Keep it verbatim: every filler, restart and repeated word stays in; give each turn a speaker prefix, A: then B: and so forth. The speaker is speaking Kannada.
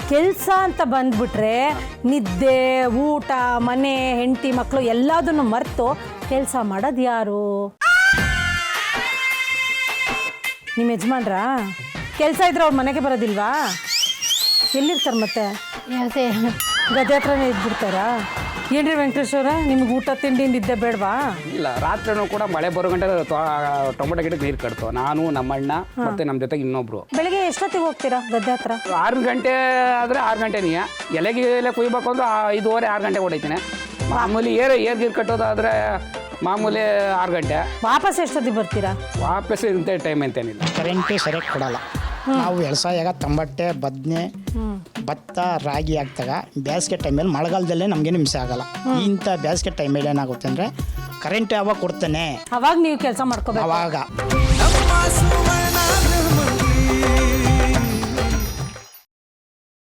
A: ಕೆಲಸ ಅಂತ ಬಂದ್ಬಿಟ್ರೆ ನಿದ್ದೆ ಊಟ ಮನೆ ಹೆಂಡತಿ ಮಕ್ಕಳು ಎಲ್ಲದನ್ನು ಮರೆತು ಕೆಲಸ ಮಾಡೋದು ಯಾರು? ನಿಮ್ಮ ಯಜಮಾನ್ರಾ? ಕೆಲಸ ಇದ್ರೆ ಅವ್ರ ಮನೆಗೆ ಬರೋದಿಲ್ವಾ? ಎಲ್ಲಿರ್ತಾರೆ ಮತ್ತೆ?
B: ಅದೇ
A: ಗದ್ದೆ ಹತ್ರನೇ ಇದ್ಬಿಡ್ತಾರಾ? ಏನ್ರಿ ವೆಂಕಟೇಶ್ವರ, ನಿಮ್ಗೆ ಊಟ ತಿಂಡಿ ನಿದ್ದೆ ಬೇಡವಾ?
C: ಇಲ್ಲ, ರಾತ್ರಿನೂ ಕೂಡ ಮಳೆ ಬರೋ ಗಂಟೆ ಟೊಮೊಟೊ ಗಿಡಕ್ಕೆ ನೀರು ಕಟ್ತು. ನಾನು ನಮ್ಮಣ್ಣ ಮತ್ತೆ ನಮ್ಮ ಜೊತೆಗೆ ಇನ್ನೊಬ್ರು.
A: ಬೆಳಿಗ್ಗೆ ಎಷ್ಟೊತ್ತಿಗೆ ಹೋಗ್ತೀರಾ ಗದ್ದೆ ಹತ್ರ?
C: ಆರು ಗಂಟೆ ಆದರೆ ಆರು ಗಂಟೆನೇ. ಎಲೆಗೆ ಎಲೆ ಕುಯ್ಬೇಕು ಅಂದ್ರೆ ಐದೂವರೆ ಆರು ಗಂಟೆ ಹೊಡಿತೀನಿ. ಮಾಮೂಲಿ ಏರ್ ಏರ್ ಗೀರ್ ಕಟ್ಟೋದಾದರೆ ಮಾಮೂಲಿ ಆರು ಗಂಟೆ.
A: ವಾಪಸ್ ಎಷ್ಟೊತ್ತಿಗೆ ಬರ್ತೀರಾ?
C: ವಾಪಸ್ ಇಂಥ ಟೈಮ್ ಅಂತೇನಿಲ್ಲ.
D: ಕರೆಂಟು ಸರಿಯಾಗಿ ಕೊಡಲ್ಲ. ನಾವು ವ್ಯವಸಾಯಾಗ ತಂಬಟ್ಟೆ ಬದನೆ ಭತ್ತ ರಾಗಿ ಹಾಕ್ದಾಗ ಬೇಸಿಗೆ ಟೈಮಲ್ಲಿ ಮಳೆಗಾಲದಲ್ಲೇ ನಮಗೇನು ಹಿಂಸೆ ಆಗಲ್ಲ. ಇಂಥ ಬೇಸಿಗೆ ಟೈಮಲ್ಲಿ ಏನಾಗುತ್ತೆ ಅಂದರೆ ಕರೆಂಟ್ ಯಾವಾಗ ಕೊಡ್ತಾನೆ
A: ಅವಾಗ ನೀವು ಕೆಲಸ ಮಾಡ್ಕೋಬೇಕು.
D: ಅವಾಗ